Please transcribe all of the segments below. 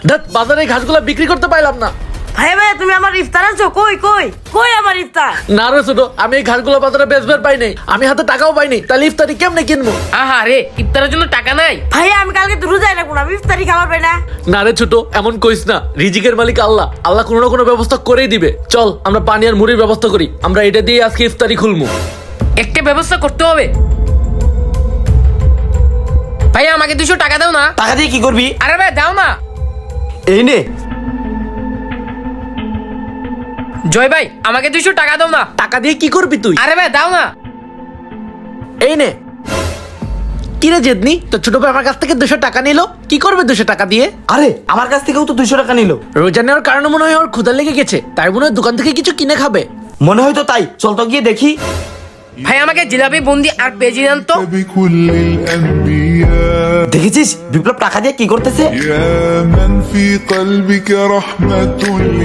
ধ্যাৎ, বাজারে এই ঘাসগুলো বিক্রি করতে পাইলাম না। ভাই ভাই তুমি আমার ইফতার আনছো? কই কই কই আমার ইফতার? না রে ছোট, আমি এই ঘাসগুলো বাজারে বেচবার পাই নাই, আমি হাতে টাকাও পাইনি, তাহলে ইফতারি কেমনে কিনবো? আহা রে, ইফতারের জন্য টাকা নাই? ভাই আমি কালকে তো রোজায় রাখবো না, আমি ইফতারি খাবার পাই না। না রে ছোট, এমন কইস না, রিজিকের মালিক আল্লাহ, আল্লাহ কোনো না কোনো ব্যবস্থা করেই দিবে। চল আমরা পানি আর মুড়ির ব্যবস্থা করি, আমরা এটা দিয়ে আজকে ইফতারি খুলবো। একটা ব্যবস্থা করতে হবে। ভাই আমাকে 200 টাকা দাও না। টাকা দিয়ে কি করবি? আরে ভাই দাও না। এই নে। জয় ভাই আমাকে 200 টাকা দাও না। টাকা দিয়ে কি করবি তুই? আরে ভাই দাও না। এই নে। কি রে জেদনি, তো ছোট ভাই আমার কাছ থেকে 200 টাকা নিলো, কি করবে 200 টাকা দিয়ে? আরে আমার কাছ থেকেও তো 200 টাকা নিল। রোজা নেওয়ার কারণে মনে হয় ওর ক্ষুধা লেগে গেছে, তাই মনে হয় দোকান থেকে কিছু কিনে খাবে। মনে হয় তো তাই, চল তো গিয়ে দেখি। ভাই আমাকে জিলাপি বুন্দি আর পেঁয়াজি দেন তো। بكل الأنبياء দেখেছিস বিপ্লব টাকা দিয়ে কি করতেছে? يا من في قلبك رحمة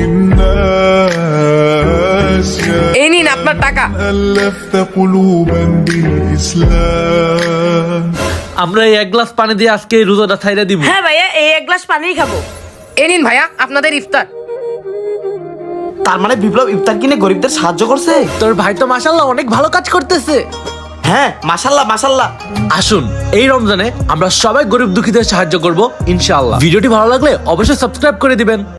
للناس يا এই নিন আপনার টাকা। ألفت قلوبا بالإسلام আমরা এই 1 গ্লাস পানি দিয়ে আজকে এই রোজাটা ছাইড়া দিব। হ্যাঁ ভাইয়া এই 1 গ্লাস পানিই খাবো। এই নিন ভাইয়া আপনাদের ইফতার। তার মানে বিপ্লব ইফতার কিনে গরিবদের সাহায্য করছে। তোর ভাই তো মাশাআল্লাহ অনেক ভালো কাজ করতেছে। হ্যাঁ মাশাল্লাহ মাশাল্লাহ। আসুন এই রমজানে আমরা সবাই গরিব দুঃখীদের সাহায্য করব ইনশাআল্লাহ। ভিডিওটি ভালো লাগলে অবশ্যই সাবস্ক্রাইব করে দিবেন।